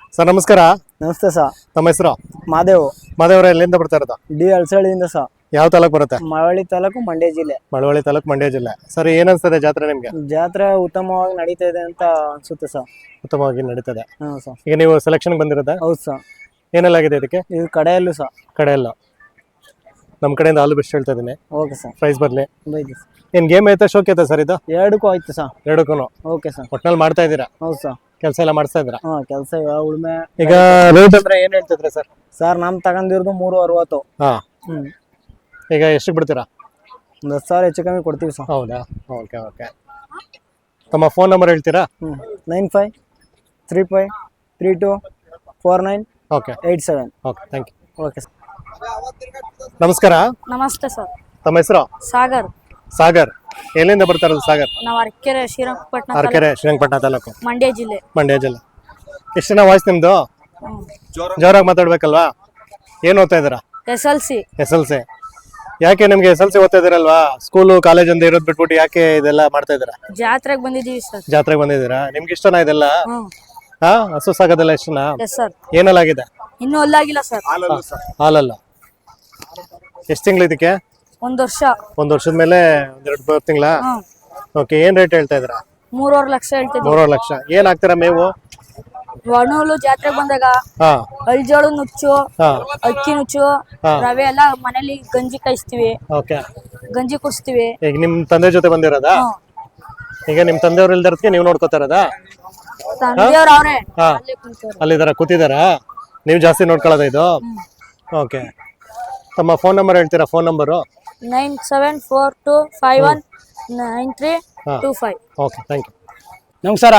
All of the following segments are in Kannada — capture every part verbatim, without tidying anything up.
ಸರ್ ನಮಸ್ಕಾರ. ನಮಸ್ತೆ ಸರ್. ನಮ್ಮ ಹೆಸರು ಮಾದೇವ್. ಮಾದೇವ್ರ ಎಲ್ಲಿಂದ ಬರ್ತಾ ಇರೋದು? ಡಿ ಅಳಸಳ್ಳಿಯಿಂದ ಸರ್. ಯಾವ ತಾಲೂಕು ಬರುತ್ತೆ? ಮಳವಳ್ಳಿ ತಾಲೂಕು, ಮಂಡ್ಯ ಜಿಲ್ಲೆ. ಮಳವಳ್ಳಿ ತಾಲೂಕು, ಮಂಡ್ಯ ಜಿಲ್ಲೆ. ಸರ್ ಏನ್ ಅನ್ಸ್ತದೆ ಜಾತ್ರೆ ನಿಮ್ಗೆ? ಜಾತ್ರೆ ಉತ್ತಮವಾಗಿ ನಡೀತಾ ಇದೆ ಅಂತ ಅನ್ಸುತ್ತೆ ಸರ್. ಉತ್ತಮವಾಗಿ ನಡೀತದೆ. ಹಾ ಸರ್. ಈಗ ನೀವು ಸೆಲೆಕ್ಷನ್ ಬಂದಿರೋದ? ಹೌದು ಸರ್. ಏನೆಲ್ಲ ಆಗಿದೆ ಇದಕ್ಕೆ? ಇದು ಕಡೆಯಲ್ಲೂ ಸರ್. ಕಡೆ ಎಲ್ಲ ನಮ್ಮ ಕಡೆಯಿಂದ ಆಲ್ ಬೆಸ್ಟ್ ಹೇಳ್ತಾ ಇದೀನಿ. Okay sir. ಪ್ರೈಸ್ ಬರ್ಲಿ. ಬೈದಿ ಸರ್. ಏನ್ ಗೇಮ್ ಐತೆ, ಶೋಕ್ ಐತೆ ಸರ್ ಇದು? ಎರಡಕ್ಕೂ ಆಯ್ತು ಸರ್. ಎರಡಕ್ಕೂ ಓಕೆ ಸರ್. ಒಟ್ನಲ್ಲಿ ಮಾಡ್ತಾ ಇದ್ದೀರಾ? ಹೌದು ಸರ್. ಕೆಲಸ ಎಲ್ಲ ಮಾಡಿಸ್ತಾ ಇದ್ದೀರಾ? ಹಾ, ಕೆಲಸ ಉಳ್ಮೆ. ಈಗ ರೇಟ್ ಅಂದ್ರೆ ಏನ್ ಹೇಳ್ತಿದ್ರೆ ಸರ್? ಸರ್ ನಮ್ ತಗೊಂಡಿರೋದು ಮೂರು ಅರವತ್ತು. ಹಾ. ಹ್ಮ್. ಈಗ ಎಷ್ಟಕ್ಕೆ ಬಿಡ್ತೀರಾ? ಒಂದು ಹತ್ತು ಸಾವಿರ ಹೆಚ್ಚು ಕಮ್ಮಿ ಕೊಡ್ತೀವಿ ಸರ್. ಹೌದಾ? Okay okay. ತಮ್ಮ ಫೋನ್ ನಂಬರ್ ಹೇಳ್ತೀರಾ? ಹ್ಮ್ nine five three five three two four nine okay eight seven. Okay, thank you. Okay sir. ನಮಸ್ಕಾರ. ನಮಸ್ತೆ ಸರ್. ತಮ್ಮ ಹೆಸರು? ಸಾಗರ್. ಸಾಗರ್. ಎಲ್ಲಿಂದ ಬರ್ತಾ ಇರೋದು ಸಾಗರ್? ನಾವು ಅರಕೆರೆ ಶ್ರೀರಂಗಪಟ್ಟಣ ಅರಕೆರೆ ಶ್ರೀರಂಗಪಟ್ಟಣ ತಾಲೂಕು, ಮಂಡ್ಯ ಜಿಲ್ಲೆ. ಮಂಡ್ಯ ಜಿಲ್ಲೆ. ಎಷ್ಟು ಜನ ವಾಯ್ಸ್ ನಿಮ್ದು? ಜೋರಾಗಿ ಮಾತಾಡ್ಬೇಕಲ್ವಾ? ಏನ್ ಓದ್ತಾ ಇದ್ದೀರಾ? S L C. S L C. ಯಾಕೆ ನಿಮ್ಗೆ ಎಸ್ ಎಲ್ ಸಿ ಓದ್ತಾ ಇದೀರಲ್ವಾ, ಸ್ಕೂಲು ಕಾಲೇಜ್ ಅಂತ ಇರೋದ್ ಬಿಟ್ಬಿಟ್ಟು ಯಾಕೆ ಇದೆಲ್ಲ ಮಾಡ್ತಾ ಇದ್ದೀರಾ? ಜಾತ್ರೆಗೆ ಬಂದಿದ್ದೀವಿ ಸರ್. ಜಾತ್ರೆಗೆ ಬಂದಿದ್ದೀರಾ? ನಿಮ್ಗೆ ಇಷ್ಟನಾ ಇದೆಲ್ಲ? ಹ್ಮ್. ಹಾ, ಹಸು ಸಾಗೋದೆಲ್ಲ ಇಷ್ಟನಾ? Yes sir. ಏನೆಲ್ಲ ಆಗಿದೆ? ಇನ್ನೂ ಅಲ್ಲಾಗಿಲ್ಲ ಸರ್. ಹಾಲಲ್ಲ. ಎಷ್ಟು ತಿಂಗಳು ಇದಕ್ಕೆ? ಒಂದ್ ವರ್ಷ. ಒಂದ್ ವರ್ಷದ ಮೇಲೆ ಒಂದೆರಡು ಮೂರು ತಿಂಗಳ. ಹ್ಮ್. ಓಕೆ. ಏನ್ ರೇಟ್ ಹೇಳ್ತಾ ಇದ್ದೀರಾ? ಮೂರುವರೆ ಲಕ್ಷ ಹೇಳ್ತಿದ್ವಿ. ಮೂರುವರೆ ಲಕ್ಷ. ಏನ್ ಹಾಕ್ತೀರಾ ಮೇವು? ಒಣಹುಲ್ಲು ಜಾತ್ರೆಗೆ ಬಂದಾಗ ಹಾ ಅಳ್ಜೋಳು ನುಚ್ಚು, ಹಾ ಅಕ್ಕಿ ನುಚ್ಚು, ಹಾ. ರವೆ ಎಲ್ಲ ಮನೇಲಿ ಗಂಜಿ ಕಾಯಿಸ್ತೀವಿ, ಓಕೆ. ಗಂಜಿ ಕುಡಿಸ್ತೀವಿ. ಈಗ ನಿಮ್ ತಂದೆ ಜೊತೆ ಬಂದಿರೋದಾ? ಹ್ಮ್. ಈಗ ನಿಮ್ ತಂದೆಯವ್ರು ಇಲ್ದಿರೋದಕ್ಕೆ ನೀವು ನೋಡ್ಕೋತಾ ಇರೋದಾ? ತಂದೆಯವ್ರು ಅವ್ರೆ ಹಾ. ಅಲ್ಲೇ ಕುಂತವ್ರೆ. ಅಲ್ಲಿದಾರ ಕೂತಿದಾರಾ? ನೀವು ಜಾಸ್ತಿ ನೋಡ್ಕೊಳ್ಳೋದ ಇದು? ಓಕೆ. ತಮ್ಮ ಫೋನ್ ನಂಬರ್ ಹೇಳ್ತೀರಾ? Phone number? Nine seven four two five one nine three two five. Okay, thank you. ನಮಸ್ಕಾರ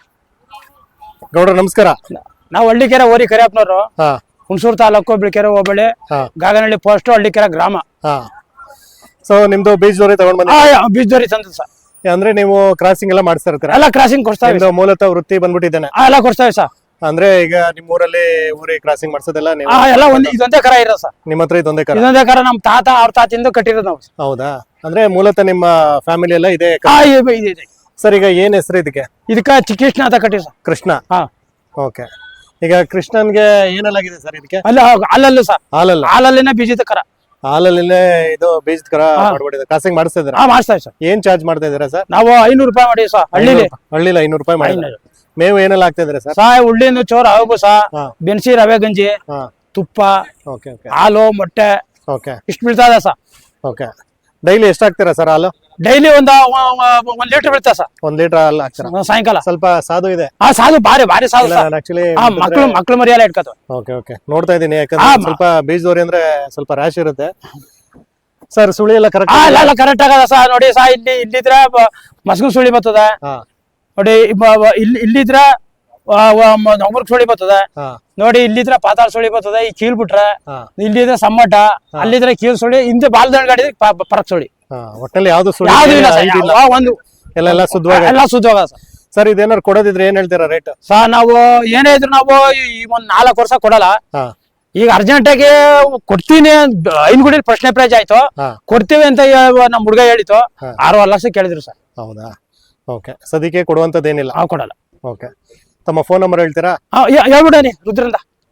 ಗೌಡ್ರ ನಮಸ್ಕಾರ. ನಾವು ಹಳ್ಳಿಕೆರೆ ಓರಿ ಕರಿಯಪ್ಪನವರು, ಹಾ ಹುಣಸೂರು ತಾಲೂಕು, ಬಿಳಿಕೆರೆ ಹೋಬಳಿ, ಹಾ ಗಾಗನಹಳ್ಳಿ ಪೋಸ್ಟ್, ಹಳ್ಳಿಕೆರೆ ಗ್ರಾಮ. ಹಾ. ಸೊ ನಿಮ್ದು ಬೀಜದವರಿ ತಗೊಂಡ್ ಬಂದ? ಬೀಜದೋರಿ ತಂದ ಸರ್. ಅಂದ್ರೆ ನೀವು ಕ್ರಾಸಿಂಗ್ ಎಲ್ಲ ಮಾಡಿಸ್ತಾ ಇರ್ತೀರಾ? ಎಲ್ಲ ಕ್ರಾಸಿಂಗ್ ಕೊಡ್ತಾ ನಿಮ್ದು ಮೂಲತಃ ವೃತ್ತಿ ಬಂದ್ಬಿಟ್ಟಿದ್ದೇನೆ. ಎಲ್ಲ ಕೊಡ್ತಾವೆ ಸರ್. ಅಂದ್ರೆ ಈಗ ನಿಮ್ ಊರಲ್ಲಿ ಊರಿ ಕ್ರಾಸಿಂಗ್ ಮಾಡ್ಸೋದೆಲ್ಲ ನೀವು? ಎಲ್ಲ ಒಂದ್ ಇದೊಂದೇ ಕರ ಇರೋ ಸರ್. ನಿಮ್ಮ ಹತ್ರ ಇದೊಂದೇ ಕರ? ಇದೊಂದೇ ಕರ ನಮ್ ತಾತ ಅವ್ರ ತಾತಿಂದ ಕಟ್ಟಿರೋದು ನಾವು. ಹೌದಾ? ಅಂದ್ರೆ ಮೂಲತಃ ನಿಮ್ಮ ಫ್ಯಾಮಿಲಿ ಎಲ್ಲ ಇದೆ? ಸರ್ ಈಗ ಏನ್ ಹೆಸರು ಇದಕ್ಕೆ? ಇದಕ್ಕ ಕೃಷ್ಣ ಅಂತ ಕಟ್ಟಿವಿ ಸರ್. ಕೃಷ್ಣ. ಹಾ. ಓಕೆ. ಈಗ ಕೃಷ್ಣನ್ಗೆ ಏನೆಲ್ಲಾಗಿದೆ ಸರ್ ಇದಕ್ಕೆ? ಅಲ್ಲ ಅಲ್ಲಲ್ಲೂ ಸರ್. ಹಾಲಲ್ಲ? ಹಾಲಲ್ಲಿನ ಬೀಜದ ಕರ. ಹಾಲಲ್ಲೇ ಇದು ಬೀಜದ ಕರ ಮಾಡ್ಬಿಟ್ಟಿದೆ. ಕ್ರಾಸಿಂಗ್ ಮಾಡಿಸ್ತಾ ಇದ್ದೀರಾ? ಹಾ, ಮಾಡ್ತಾ ಸರ್. ಏನ್ ಚಾರ್ಜ್ ಮಾಡ್ತಾ ಇದೀರಾ ಸರ್? ನಾವು ಐನೂರು ರೂಪಾಯಿ ಮಾಡಿವಿ ಸರ್. ಹಳ್ಳಿಲಿ ಹಳ್ಳಿಲಿ ಐನೂರು ರೂಪಾಯಿ ಮಾಡಿ. ಮೇವು ಏನೆಲ್ಲ ಆಗ್ತಾ ಇದ್ರೆ ಸರ್? ಸಾ ಉಳ್ಳಿನ ಚೋರ ಅವು ಸಾ ಹಾ. ಬೆನ್ಸಿ, ರವೆ ಗಂಜಿ, ಹಾ. ತುಪ್ಪ, ಓಕೆ ಓಕೆ ಹಾಲು, ಮೊಟ್ಟೆ ಓಕೆ ಇಷ್ಟು ಬೀಳ್ತಾ ಇದೆ ಸರ್. ಓಕೆ. ಡೈಲಿ ಎಷ್ಟು ಹಾಕ್ತೀರಾ ಸರ್ ಹಾಲು? ಡೈಲಿ ಒಂದ ಒಂದ್ ಲೀಟರ್ ಬೀಳ್ತಾ ಸರ್. ಒಂದ್ ಲೀಟರ್ ಹಾಲು ಹಾಕ್ತೀರಾ? ಸಾಯಂಕಾಲ ಸ್ವಲ್ಪ ಸಾಧು ಇದೆ. ಹಾ, ಸಾಧು ಭಾರಿ ಭಾರಿ ಸಾಧು ಸರ್. ಆಕ್ಚುಲಿ ಮಕ್ಳು ಮಕ್ಳು ಮರಿಯಲ್ಲ ಇಟ್ಕೋತ. Okay okay. ನೋಡ್ತಾ ಇದೀನಿ, ಯಾಕಂದ್ರೆ ಸ್ವಲ್ಪ ಬೀಜದವ್ರಿ ಅಂದ್ರೆ ಸ್ವಲ್ಪ ರ್ಯಾಶ್ ಇರುತ್ತೆ ಸರ್. ಸುಳಿ ಎಲ್ಲ ಕರೆಕ್ಟ್? ಎಲ್ಲ ಕರೆಕ್ಟ್ ಆಗದ ಸರ್. ನೋಡಿ ಸಾ, ಇಲ್ಲಿ ಇಲ್ಲಿದ್ರ ಮಸ್ಗು ಸುಳಿ ಬರ್ತದ ನೋಡಿ. ಇಲ್ಲಿ ಇಲ್ಲಿದ್ರ ನೊಂಬರ್ ಸುಳಿ ಬರ್ತದೆ ನೋಡಿ. ಇಲ್ಲಿದ್ರ ಪಾತಾಳ ಸುಳಿ ಬರ್ತದೆ. ಈ ಕೀಲ್ ಬಿಟ್ರೆ ಇಲ್ಲಿದ್ರೆ ಸಮ್ಮಟ, ಅಲ್ಲಿದ್ರೆ ಕೀಲ್ ಸುಳಿ, ಹಿಂದೆ ಬಾಲ್ದಂಡ್ ಗಾಡಿ ಪರಕ್ ಸುಳಿ. ಒಟ್ಟಲ್ಲಿ ಯಾವ್ದು ಸುಳಿ ಒಂದು ಎಲ್ಲ ಶುದ್ಧವಾಗ ಎಲ್ಲ ಶುದ್ಧವಾಗ ಸರ್. ಸರ್ ಇದೇನಾರು ಕೊಡೋದಿದ್ರೆ ಏನ್ ಹೇಳ್ತೀರಾ ರೇಟ್? ಸರ್ ನಾವು ಏನೇ ಇದ್ರು ನಾವು ಈ ಒಂದ್ ನಾಲ್ಕು ವರ್ಷ ಕೊಡಲ್ಲ. ಈಗ ಅರ್ಜೆಂಟ್ ಆಗಿ ಕೊಡ್ತೀನಿ, ಐನ್ಗುಡಿ ಪ್ರಶ್ನೆ ಪ್ರೈಜ್ ಆಯ್ತು, ಕೊಡ್ತೀವಿ ಅಂತ ನಮ್ ಹುಡುಗ ಹೇಳಿತು. ಆರೂವರೆ ಲಕ್ಷ ಕೇಳಿದ್ರು ಸರ್. ಹೌದಾ? ಓಕೆ. ಸದ್ಯಕ್ಕೆ ಕೊಡುವಂತದ್ದೇನಿಲ್ಲ? ನಾವು ಕೊಡಲ್ಲ. ಓಕೆ. ತಮ್ಮ ಫೋನ್ ನಂಬರ್ ಹೇಳ್ತೀರಾ? ಹೇಳ್ಬಿಡನಿ ರುದ್ರಿಂದ.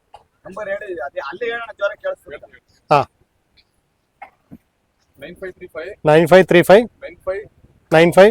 ಹಾ. Nine five three five nine five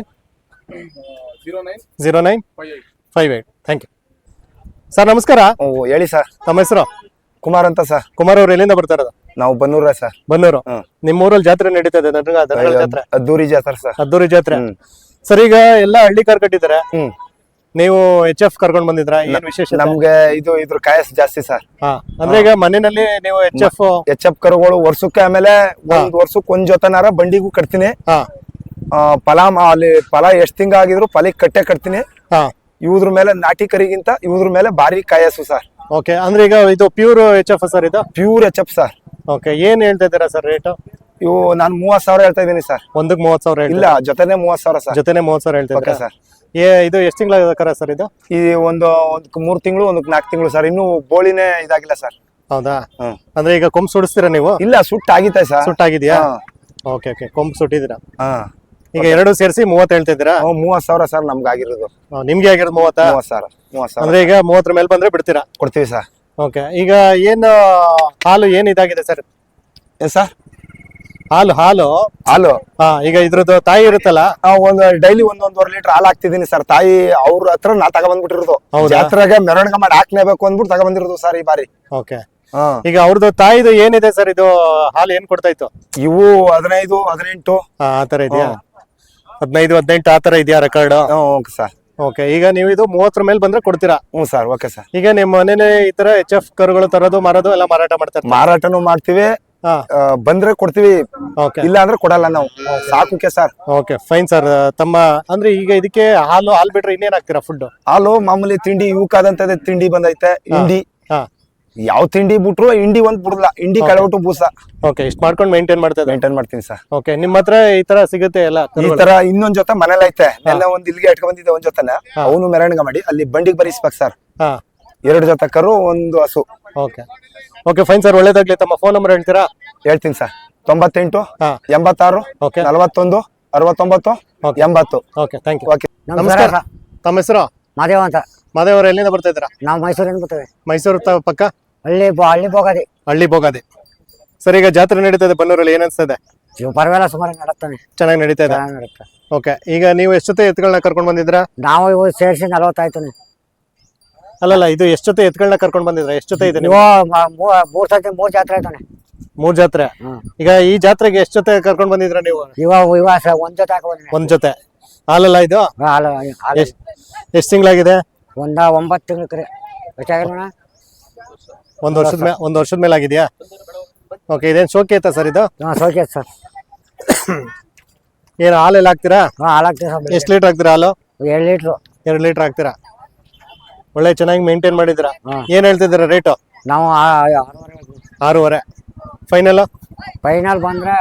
zero nine five eight. Thank you sir. ನಮಸ್ಕಾರ. ಹೇಳಿ ಸರ್. ತಮ್ಮ ಹೆಸರು? ಕುಮಾರ್ ಅಂತ ಸರ್. ಕುಮಾರ್ ಅವ್ರು ಎಲ್ಲಿಂದ ಬರ್ತಾ ಇರೋದು? ನಾವು ಬನ್ನೂರ ಸರ್. ಬನ್ನೂರು. ನಿಮ್ಮ ಊರಲ್ಲಿ ಜಾತ್ರೆ ನಡೀತಾ ಇದೆ, ಜಾತ್ರೆ? ಅದ್ದೂರಿ ಜಾತ್ರೆ ಸರ್. ಅದ್ದೂರಿ ಜಾತ್ರೆ. ಸರ್ ಈಗ ಎಲ್ಲ ಹಳ್ಳಿ ಕಾರ್ ಕಟ್ಟಿದ್ದಾರೆ, ನೀವು ಎಚ್ ಎಫ್ ಕರ್ಕೊಂಡ್ ಬಂದಿದ್ರ? ಏನ್ ವಿಶೇಷ? ನಮ್ಗೆ ಇದು ಇದ್ರ ಕಾಯಸ್ ಜಾಸ್ತಿ ಸರ್. ಅಂದ್ರೆ ಈಗ ಮನೆಯಲ್ಲಿ ನೀವು ಎಚ್ ಎಫ್ ಎಚ್ ಎಫ್ ಕರುಗಳು ವರ್ಷಕ್ಕೆ, ಆಮೇಲೆ ಒಂದ್ ವರ್ಷಕ್ಕೆ ಒಂದ್ ಜೊತೆನಾರ ಬಂಡಿಗೂ ಕಟ್ತೀನಿ. ಫಲ ಅಲ್ಲಿ ಫಲ ಎಷ್ಟ್ ತಿಂಗ ಆಗಿದ್ರು ಫಲಿಗೆ ಕಟ್ಟೆ ಕಟ್ತೀನಿ. ಇವ್ರ ಮೇಲೆ ನಾಟಿ ಕರಿಗಿಂತ ಇವ್ರ ಮೇಲೆ ಭಾರಿ ಕಾಯಸ್ಸು ಸರ್. ಓಕೆ. ಅಂದ್ರೆ ಈಗ ಇದು ಪ್ಯೂರ್ ಎಚ್ ಎಫ್ ಸರ್? ಇದು pure H F sir. Okay. ಏನ್ ಹೇಳ್ತಾ ಇದ್ದೀರಾ ಸರ್ ರೇಟ್? ಇವು ನಾನ್ ಮೂವತ್ ಸಾವಿರ ಹೇಳ್ತಾ ಇದೀನಿ ಸರ್. ಒಂದಕ್ಕೆ ಮೂವತ್ ಸಾವಿರ? ಇಲ್ಲ, ಜೊತೆನೆ ಮೂವತ್ ಸಾವಿರ ಸರ್. ಜೊತೆನೆ ಮೂವತ್ ಸಾವಿರ ಹೇಳ್ತಾ ಇದ್ದೀರಾ ಸರ್? ಇದು ಎಷ್ಟು ತಿಂಗಳ ಕರ ಸರ್ ಇದು? ಈ ಒಂದು ಒಂದಕ್ಕೆ ಮೂರ್ ತಿಂಗಳು, ಒಂದಕ್ಕೆ ನಾಲ್ಕು ತಿಂಗಳು ಸರ್. ಇನ್ನು ಬೋಳಿನೇ ಇದಾಗಿಲ್ಲ ಸರ್. ಹೌದಾ? ಅಂದ್ರೆ ಈಗ ಕೊಂಬ್ ಸುಡಿಸ್ತೀರಾ ನೀವು? ಇಲ್ಲ, ಸುಟ್ಟ ಆಗಿತ್ತೆ ಸರ್. ಸುಟ್ಟಾಗಿದ್ಯಾ? Okay okay. ಕೊಂಬ್ ಸುಟ್ಟಿದ್ದೀರಾ? ಈಗ ಎರಡು ಸೇರಿಸಿ ಮೂವತ್ತು ಹೇಳ್ತಿದ್ದೀರಾ? ಹ್ಮ್, ಮೂವತ್ ಸಾವಿರ ಸರ್ ನಮ್ಗೆ ಆಗಿರೋದು. ಹಾ, ನಿಮ್ಗೆ ಆಗಿರೋದು ಮೂವತ್ತಾ? ಮೂವತ್ ಸಾವಿರ ಮೂವತ್ ಸಾವಿರ ಅಂದ್ರೆ ಈಗ ಮೂವತ್ತರ ಮೇಲೆ ಬಂದ್ರೆ ಬಿಡ್ತೀರಾ? ಕೊಡ್ತೀವಿ ಸರ್. ಓಕೆ, ಈಗ ಏನು ಹಾಲು ಏನ್ ಇದಾಗಿದೆ ಸರ್? ಏನ್ ಸರ್? ಹಾಲು ಹಾಲು ಹಾಲು ಹಾ, ಈಗ ಇದ್ರದ್ದು ತಾಯಿ ಇರುತ್ತಲ್ಲ, ಆ, ಒಂದ್ ಡೈಲಿ ಒಂದೊಂದೂವರೆ ಲೀಟರ್ ಹಾಲು ಹಾಕ್ತಿದೀನಿ ಸರ್. ತಾಯಿ ಅವ್ರ ಹತ್ರ ನಾ ತಗೊಂಡ್ಬಿಟ್ಟಿರೋದು. ಹೌದಾ? ಜಾತ್ರೆಗೆ ಮೆರವಣಿಗೆ ಮಾಡಿ ಹಾಕ್ಲೇಬೇಕು ಅಂದ್ಬಿಟ್ಟು ತಗೊಂಡ್ಬಂದಿರೋದು ಸರ್ ಈ ಬಾರಿ. ಓಕೆ. ಹಾ, ಈಗ ಅವ್ರದ್ದು ತಾಯಿದು ಏನಿದೆ ಸರ್? ಇದು ಹಾಲು ಏನ್ ಕೊಡ್ತಾ ಇತ್ತು? ಇವು ಹದಿನೈದು ಹದಿನೆಂಟು ಹಾ, ಆತರ ಇದೆಯಾ? ಹದಿನೈದು ಹದಿನೆಂಟು ಆತರ ಇದೆಯಾ ರೆಕಾರ್ಡ್? Okay sir. ಓಕೆ, ಈಗ ನೀವು ಇದು ಮೂವತ್ತರ ಮೇಲೆ ಬಂದ್ರೆ ಕೊಡ್ತೀರಾ? ಹ್ಞೂ ಸರ್. Okay sir. ಈಗ ನಿಮ್ಮ ಮನೇಲಿ ಈ ತರ ಎಚ್ ಎಫ್ ಕರುಗಳು ತರೋದು ಮಾರೋದು ಎಲ್ಲ ಮಾರಾಟ ಮಾಡ್ತಾರೆ? ಮಾರಾಟನು ಮಾಡ್ತೀವಿ, ಹಾ, ಆ, ಬಂದ್ರೆ ಕೊಡ್ತೀವಿ, ಓಕೆ ಇಲ್ಲ ಅಂದ್ರೆ ಕೊಡಲ್ಲ ನಾವು. ಸಾಕುಕೆ ಸರ್. Okay, fine sir. ತಮ್ಮ ಅಂದ್ರೆ ಈಗ ಇದಕ್ಕೆ ಹಾಲು ಹಾಲು ಬಿಟ್ರೆ ಇನ್ನೇನ್ ಹಾಕ್ತೀರಾ ಫುಡ್? ಹಾಲು ಮಾಮೂಲಿ ತಿಂಡಿ, ಇವಕ್ಕಾದಂತದೇ ತಿಂಡಿ ಬಂದೈತೆ. ಹಿಂಡಿ ಹಾ, ಯಾವ ತಿಂಡಿ ಬಿಟ್ರು ಹಿಂಡಿ ಒಂದ್ ಬಿಡಲ್ಲ. ಹಿಂಡಿ ಕಳೆಬಿಟ್ಟು ಬೂಸ ಓಕೆ, ಇಷ್ಟು ಮಾಡ್ಕೊಂಡು ಮೇಂಟೈನ್ ಮಾಡ್ತಾ ಇದ್ದಾರೆ. ಮೇಂಟೈನ್ ಮಾಡ್ತೀನಿ ಸರ್. ಓಕೆ, ನಿಮ್ಮ ಹತ್ರ ಈ ತರ ಸಿಗುತ್ತೆ ಎಲ್ಲ ಈ ಕರುಗಳು? ತರ ಇನ್ನೊಂದ್ ಜೊತೆ ಮನೇಲಿ ಐತೆ. ನೆನ್ನೆ ಒಂದ್ ಇಲ್ಲಿಗೆ ಇಟ್ಕೊಂಡ್ ಬಂದಿದ್ದೆ ಒಂದ್ ಜೊತೆನ. ಅವನು ಮೆರವಣಿಗೆ ಮಾಡಿ ಅಲ್ಲಿ ಬಂಡಿಗೆ ಬರೀಸ್ಬೇಕು ಸರ್. ಹಾ, ಎರಡು ಜೊತೆ ಕರು, ಒಂದು ಹಸು. ಓಕೆ ಓಕೆ, ಫೈನ್ ಸರ್, ಒಳ್ಳೇದಾಗ್ಲಿ. ತಮ್ಮ ಫೋನ್ ನಂಬರ್ ಹೇಳ್ತೀರಾ? ಹೇಳ್ತೀನಿ ಸರ್. ತೊಂಬತ್ತೆಂಟು ಹಾ, ಎಂಬತ್ತಾರು ಓಕೆ ನಲವತ್ತೊಂದು ಅರವತ್ತೊಂಬತ್ತು ಓಕೆ ಎಂಬತ್ತು. Okay, thank you. ಓಕೆ. ನಮಸ್ಕಾರ. ತಮ್ಮ ಹೆಸರು? ಮಾದೇವ ಅಂತ. ಮಾದೇವ್ರ, ಎಲ್ಲಿಂದ ಬರ್ತಾ ಇದ್ದೀರಾ? ನಾವು ಮೈಸೂರಿಂದ ಬರ್ತೇವೆ. ಮೈಸೂರು ತ- ಪಕ್ಕ ಹಳ್ಳಿ ಬೊ- ಹಳ್ಳಿ ಹೋಗೋದಿ. ಹಳ್ಳಿ ಬೋಗಾದಿ. ಸರ್, ಈಗ ಜಾತ್ರೆ ನಡೀತದೆ ಬನ್ನೂರಲ್ಲಿ, ಏನ್ ಅನ್ಸ್ತದೆ? ಇವು ಪರವಾಗಿಲ್ಲ, ಸುಮಾರು ನಡತ್ತಾನೆ, ಚೆನ್ನಾಗಿ ನಡೀತಾ ಇದೆ. ಚೆನ್ನಾಗಿ ನಡುತ್ತೆ. ಓಕೆ, ಈಗ ನೀವು ಎಷ್ಟು ಜೊತೆ ಎತ್ಗಳನ್ನ ಕರ್ಕೊಂಡ್ ಬಂದಿದ್ರಾ? ನಾವು ಇವು ಸೇರಿಸಿ ನಲವತ್ತಾಯ್ತು. ಅಲ್ಲಲ್ಲ, ಇದು ಎಷ್ಟು ಜೊತೆ ಎತ್ಗಳನ್ನ ಕರ್ಕೊಂಡ್ ಬಂದಿದ್ರ? ಎಷ್ಟು ಜೊತೆ ಇದೆ ಇವು ನೀವು? ಮ- ಮೂ- ಮೂರ್ ಸತಿ ಮೂರ್ ಜಾತ್ರೆ ಆಯ್ತಾನೆ. ಮೂರ್ ಜಾತ್ರೆ. ಹ್ಮ್. ಈಗ ಈ ಜಾತ್ರೆಗೆ ಎಷ್ಟು ಜೊತೆ ಕರ್ಕೊಂಡ್ ಬಂದಿದ್ರ ನೀವು? ಇವ ಇವ ಸ- ಒಂದ್ ಜೊತೆ ಹಾಕಿ ಬಂದಿನಿ. ಒಂದ್ ಜೊತೆ. ಹಾಲಲ್ಲ ಇದು? ಹಾಲು ಹಾಲು ಎಷ್ಟ್ ಎಷ್ಟ್ ತಿಂಗಳಾಗಿದೆ? ಒಂದ ಒಂಬತ್ತು ತಿಂಗಳು ಕರೆ ಎಷ್ಟಾಗಿರೋಣ. ಒಂದ್ ವರ್ಷದ ಮೇಲೆ ಒಂದ್ ವರ್ಷದ ಮೇಲೆ ಆಗಿದ್ಯಾ? ಓಕೆ, ಇದೇನ್ ಶೋಕಿ ಐತಾ ಸರ್ ಇದು? ಹಾ, ಸೌಖ್ಯ ಸರ್. ಏನ್ ಹಾಲೆಲ್ಲ ಹಾಕ್ತೀರಾ? ಹಾ, ಹಾಲು ಹಾಕ್ತೀವಿ ಸರ್. ಎಷ್ಟ್ ಲೀಟರ್ ಹಾಕ್ತೀರಾ ಹಾಲು? ಎರಡು ಲೀಟ್ರು. ಎರಡ್ ಲೀಟರ್ ಹಾಕ್ತೀರಾ? ಒಳ್ಳೆ ಚೆನ್ನಾಗಿ ಮೇಂಟೈನ್ ಮಾಡಿದಿರಾ. ಹಾ. ಏನ್ ಹೇಳ್ತಿದ್ದೀರಾ ರೇಟು? ನಾವು ಆ- ಆರೂವರೆ ಹೇಳ್ತೀವಿ. ಆರೂವರೆ ಫೈನಲ್? ಫೈನಲ್ ಬಂದ್ರೆ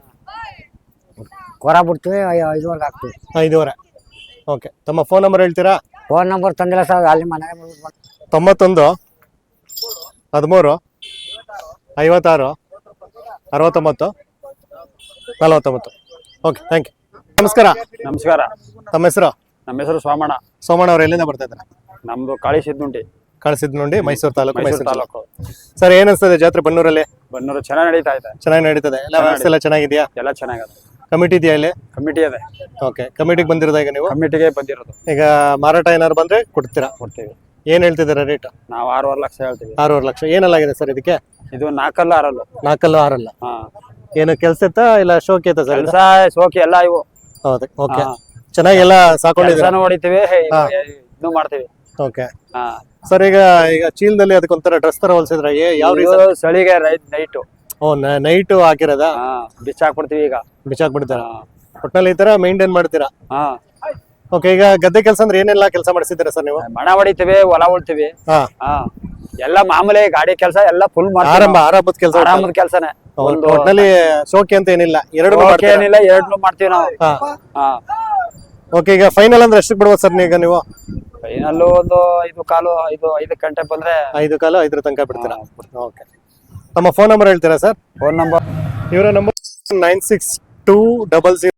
ಕೊರ ಬಿಡ್ತೀವಿ, ಐ- ಐದುವರೆಗೆ ಹಾಕ್ತೀವಿ. ಐದೂವರೆ. ಓಕೆ, ತಮ್ಮ ಫೋನ್ ನಂಬರ್ ಹೇಳ್ತೀರಾ? ಫೋನ್ ನಂಬರ್ ತಂದಿಲ್ಲ ಸರ್, ಅಲ್ಲಿ ಮನೆಗೆ ಬಂದು ತೊಂಬತ್ತೊಂದು ಹದಿಮೂರು ಐವತ್ತಾರು ಅರವತ್ತೊಂಬತ್ತು ನಲವತ್ತೊಂಬತ್ತು. Okay, thank you. ನಮಸ್ಕಾರ. ನಮಸ್ಕಾರ. ತಮ್ಮ ಹೆಸರು? ನಮ್ಮ ಹೆಸರು ಸೋಮಣ್ಣ. ಸೋಮಣ್ಣ ಅವ್ರು, ಎಲ್ಲಿಂದ ಬರ್ತಾ ಇದ್ದಾರೆ? ನಮ್ದು ಕಾಳಿ ಸಿದ್ದುಂಟಿ, ಕಳಿಸಿದ್ ನೋಡಿ, ಮೈಸೂರು ತಾಲೂಕು. ಮೈಸೂರು ಮೈಸೂರು ತಾಲೂಕು. ತಾಲೂಕು. ಸರ್, ಏನ್ ಅನ್ಸ್ತದೆ ಜಾತ್ರೆ ಬನ್ನೂರಲ್ಲಿ? ಬನ್ನೂರು ಚೆನ್ನಾಗಿ ನಡೀತಾ ಇದೆ. ಚೆನ್ನಾಗಿ ನಡೀತದೆ ಎಲ್ಲ? ವ್ಯವಸ್ಥೆ ಎಲ್ಲ ಚೆನ್ನಾಗಿದೆಯಾ? ಎಲ್ಲ ಚೆನ್ನಾಗದ. ಕಮಿಟಿ ಇದೆಯಾ ಇಲ್ಲಿ? ಕಮಿಟಿ ಇದೆ. ಓಕೆ, ಕಮಿಟಿಗೆ ಬಂದಿರೋದ ಈಗ ನೀವು? ಕಮಿಟಿಗೆ ಬಂದಿರೋದು. ಈಗ ಮಾರಾಟ ಏನಾದ್ರು ಬಂದ್ರೆ ಕೊಡ್ತೀರಾ? ಕೊಡ್ತೀವಿ. ಏನ್ ಹೇಳ್ತಿದ್ದೀರಾ ರೇಟ್? ನಾವು ಆರೂವರೆ ಲಕ್ಷ ಹೇಳ್ತೀವಿ. ಆರೂವರೆ ಲಕ್ಷ. ಏನಲ್ಲಾಗಿದೆ ಸರ್ ಇದಕ್ಕೆ? ಇದು ನಾಲ್ಕಲ್ಲ ಆರಲ್ಲು. ನಾಲ್ಕಲ್ಲು ಆರಲ್ಲ. ಹಾ, ಏನು ಕೆಲ್ಸ ಇತ್ತಾ ಇಲ್ಲ ಶೋಕಿ ಐತಾ ಸರ್? ಕೆಲಸ ಸೋಕಿ ಎಲ್ಲ ಇವು. ಹೌದು. ಓಕೆ, ಹಾ. ಚೆನ್ನಾಗೆಲ್ಲ ಸಾಕೊಂಡಿದ್ದೀರಾ? ಕೆಲಸನೂ ಹೊಡಿತೀವಿ, ಹಾ. ಇದು ಮಾಡ್ತೀವಿ. ಓಕೆ ಹಾ, ಸರ್, ಈಗ ಈಗ ಚೀಲದಲ್ಲಿ ಅದಕ್ಕೊಂಥರ ಡ್ರೆಸ್ ತರ ಹೊಲ್ಸಿದ್ರ? ಯಾವ ಇದು ರೀಸನ್? ಚಳಿಗೆ ರೈಟ್ ನೈಟು. ಓ, ನೈಟ್ ಹಾಕಿರೋದ? ಹಾ, ಬಿಚ್ಚಾಕ್ಬಿಡ್ತೀವಿ ಈಗ. ಬಿಚ್ಚಾಕ್ಬಿಡ್ತೀರಾ? ಹಾ. ಒಟ್ನಲ್ಲಿ ಈ ತರ ಮೇಂಟೈನ್ ಮಾಡ್ತೀರಾ? ಹಾ, ಓಕೆ, ಈಗ ಗದ್ದೆ ಕೆಲಸ ಅಂದ್ರೆ ಏನೆಲ್ಲ ಕೆಲಸ ಮಾಡಿಸಿದ್ದೀರಾ ಸರ್ ನೀವು? ಮಣ ಹೊಡಿತೀವಿ, ಹೊಲ ಉಳ್ತೀವಿ. ಹಾ, ಹಾ, ಎಲ್ಲ ಮಾಮೂಲಿ ಗಾಡಿ ಕೆಲಸ ಎಲ್ಲ ಫುಲ್ ಆರಂಭ ಮಾಡ್ತೀವಿ. ಆರಂಭದ ಕೆಲಸ. ಆರಾಮದ ಕೆಲಸನೇ. ಒಂದು ಒಟ್ನಲ್ಲಿ ಶೋಕಿ ಅಂತ ಏನಿಲ್ಲ, ಎರಡು ಓಕೆ ಏನಿಲ್ಲ, ಎರಡ್ನು ಮಾಡ್ತೀವಿ ನಾವು. ಹಾ. ಹಾ, ಓಕೆ, ಈಗ ಫೈನಲ್ ಅಂದ್ರೆ ಎಷ್ಟಕ್ಕೆ ಬಿಡ್ಬೋದು ಸರ್ ಈಗ ನೀವು? ಫೈನಲ್ಲು ಒಂದು ಐದು ಕಾಲು ಐದು ಐದು ಗಂಟೆ ಬಂದ್ರೆ ಐದು ಕಾಲು ಐದರ ತನಕ ಬಿಡ್ತೀರಾ? ಓಕೆ, ತಮ್ಮ ಫೋನ್ ನಂಬರ್ ಹೇಳ್ತೀರಾ ಸರ್? ಫೋನ್ ನಂಬರ್ ಇವರ number nine six two double zero